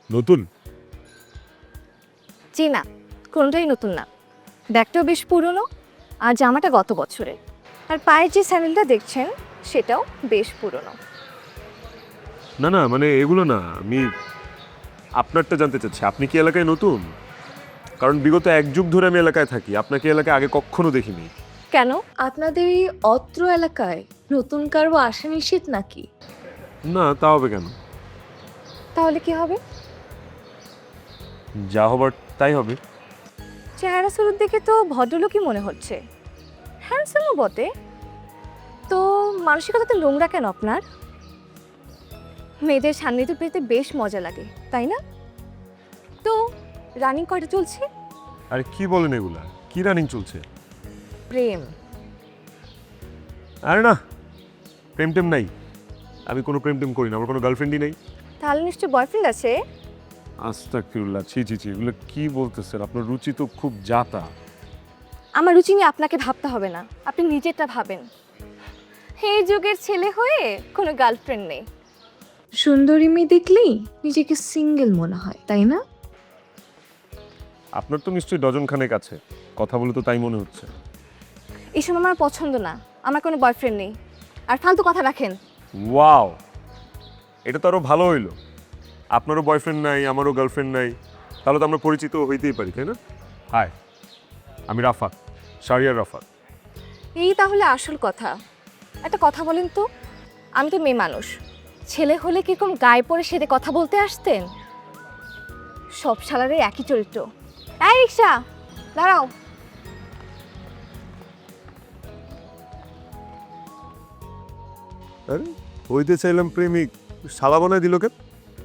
নতুন? জি না, কোনোটাই নতুন না। ব্যাগটাও বেশ পুরনো আর জামাটা গত বছরের। আর পায়ের যে স্যান্ডেলটা দেখছেন সেটাও বেশ পুরনো। না না, মানে এগুলো না, আমি আপনারটা জানতে চাচ্ছি। আপনি কি এলাকায় নতুন? কারণ বিগত 1 যুগ ধরে আমি এলাকায় থাকি, আপনাকে এলাকায় আগে কখনো দেখিনি। কেন? আপনাদের এই অত্র এলাকায় নতুন কারো আসা নিষেধ নাকি? না, তা হবে কেন? তাহলে কি হবে? যা হবার তাই হবে। চেহারা সুরত দেখে তো ভদ্রলোকই মনে হচ্ছে, হ্যান্ডসামও বটে। তো মানসিকতা তো নোংরা কেন আপনার? মেয়েদের সান্নিধ্য পেতে বেশ মজা লাগে, তাই না? তো রানিং কয়টা চলছে? আরে কি বলেন এগুলা? কি রানিং চলছে? প্রেম। আরে না, প্রেম টেম নাই। আমি কোনো প্রেম টেম করি না, আমার কোনো গার্লফ্রেন্ডই নেই। তাহলে নিশ্চয় বয়ফ্রেন্ড আছে? আস্তাগফিরুল্লাহ, ছি ছি ছি, এগুলো কি বলতেছেন? আপনার রুচি তো খুব জাতা। আমার রুচি নিয়ে আপনাকে ভাবতে হবে না, আপনি নিজেরটা ভাবেন। এই যুগের ছেলে হয়ে কোনো গার্লফ্রেন্ড নেই। সুন্দরী মেয়ে দেখলেই নিজেকে সিঙ্গেল মনে হয়, তাই না? আপনার তো নিশ্চয়ই ডজন খানেক আছে, কথা বলে তো তাই মনে হচ্ছে। এসব আমার পছন্দ না, আমার কোনো বয়ফ্রেন্ড নেই। আর ফালতু কথা রাখেন। ওয়াও, এটা তো আরো ভালো হইলো। আপনারও বয়ফ্রেন্ড নাই, আমারও গার্লফ্রেন্ড নাই, তাহলে তো আমরা পরিচিত হইতেই পারি, তাই না? হাই, আমি রাফাত, শারিয়ার রাফাত। এই তাহলে আসল কথা। একটা কথা বলেন তো, আমি তো মেয়ে মানুষ, ছেলে হলে কিরকম গায়ে পড়ে সেদে কথা বলতে আসতেন? সব শালারই একই চরিত্র। এই রিক্সা, দাঁড়াও। আরে হইতে চাইলাম প্রেমিক, শালা বানায় দিল কেন?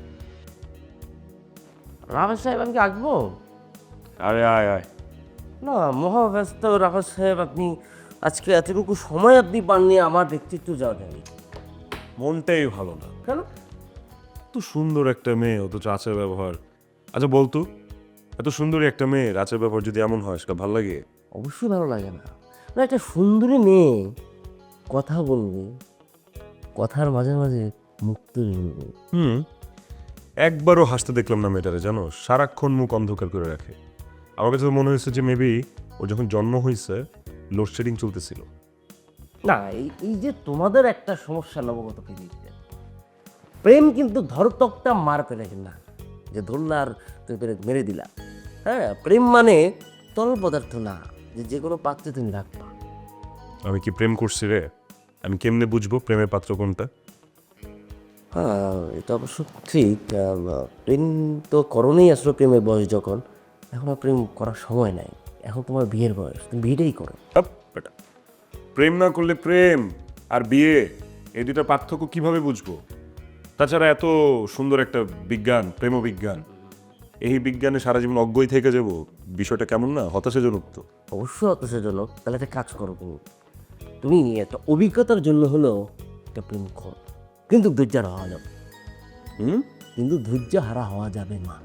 রাফেজ সাহেব আমি কি আঁকবো? আরে আয় আয়। না, মহাব্যস্ত রাফেজ সাহেব, আপনি আজকে এতটুকু সময় আপনি পাননি আমার ব্যক্তিত্ব যাওয়া যায়নি। মনটাই ভালো না। কেন? এত সুন্দর একটা মেয়ে অথচ আচার ব্যবহার। আচ্ছা বলতো, এত সুন্দরী একটা মেয়ের আচার ব্যবহার যদি এমন হয় সেটা ভালো লাগে? অবশ্যই ভালো লাগে না। না, একটা সুন্দরী মেয়ে কথা বলবে, কথার মাঝে মাঝে মুখ তুলে নেবে। একবারও হাসতে দেখলাম না মেয়েটারে, জানো? সারাক্ষণ মুখ অন্ধকার করে রাখে। আমার কাছে তো মনে হয়েছে যে মেবি ও যখন জন্ম হয়েছে লোডশেডিং চলতেছিল। না, এই যে তোমাদের একটা সমস্যা নবগত পৃথিবীতে, প্রেম কিন্তু ধরতকটা মার পেলে না, যে ধরলা আর তুমি মেরে দিলা। হ্যাঁ, প্রেম মানে তরল পদার্থ না যে যে কোনো পাত্রে তুমি রাখবা। আমি কি প্রেম করছি রে? আমি কেমনে বুঝবো প্রেমের পাত্র কোনটা? হ্যাঁ, এটা অবশ্য ঠিক। প্রেম তো করণেই আসলে প্রেমের বয়স যখন, এখন আর প্রেম করার সময় নাই, এখন তোমার বিয়ের বয়স, তুমি বিয়েটাই করো। আপ, বেটা। প্রেম না করলে প্রেম আর বিয়ে, এই দুইটা পার্থক্য কিভাবে বুঝবো? তাছাড়া এত সুন্দর একটা বিজ্ঞান, প্রেম বিজ্ঞান, এই বিজ্ঞানে সারা জীবন অজ্ঞই থেকে যাব, বিষয়টা কেমন না হতাশাজনক তো। অবশ্যই হতাশাজনক। তাহলে একটা কাজ করো, তুমি একটা অভিজ্ঞতার জন্য হলেও একটা প্রেম করো, কিন্তু ধৈর্য হারা হওয়া যাবে। কিন্তু ধৈর্য হারা হওয়া যাবে না।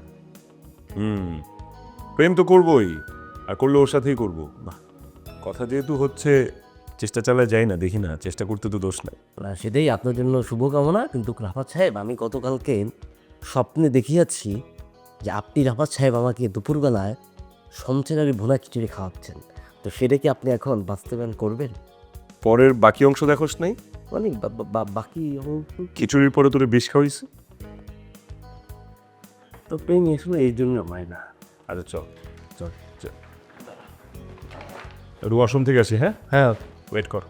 প্রেম তো করবোই, আর করলে ওর সাথেই করবো। বাহ, কথা যেহেতু হচ্ছে, চেষ্টা চালায় যাই না, দেখি না, চেষ্টা করতে তো দোষ নাই। না, সেটাই আপনার জন্য শুভকামনা। কিন্তু রাফাত সাহেব, আমি গতকালকে স্বপ্নে দেখিয়াছি যে আপনি রাফাত সাহেব আমাকে দুপুরবেলায় সঞ্চেরারি ভুনা খিচুড়ি খাওয়াচ্ছেন। তো সেটা কি আপনি এখন বাস্তবায়ন করবেন? পরের বাকি অংশ দেখোস নাই? মানে বাকি খিচুড়ির পরে তোরে বিষ খাওয়াইছে। তো প্রেম আসলে এই জন্য হয় না। আচ্ছা চল চল চল, ওয়াশরুম থেকে আসি। হ্যাঁ হ্যাঁ, ওয়েট কর।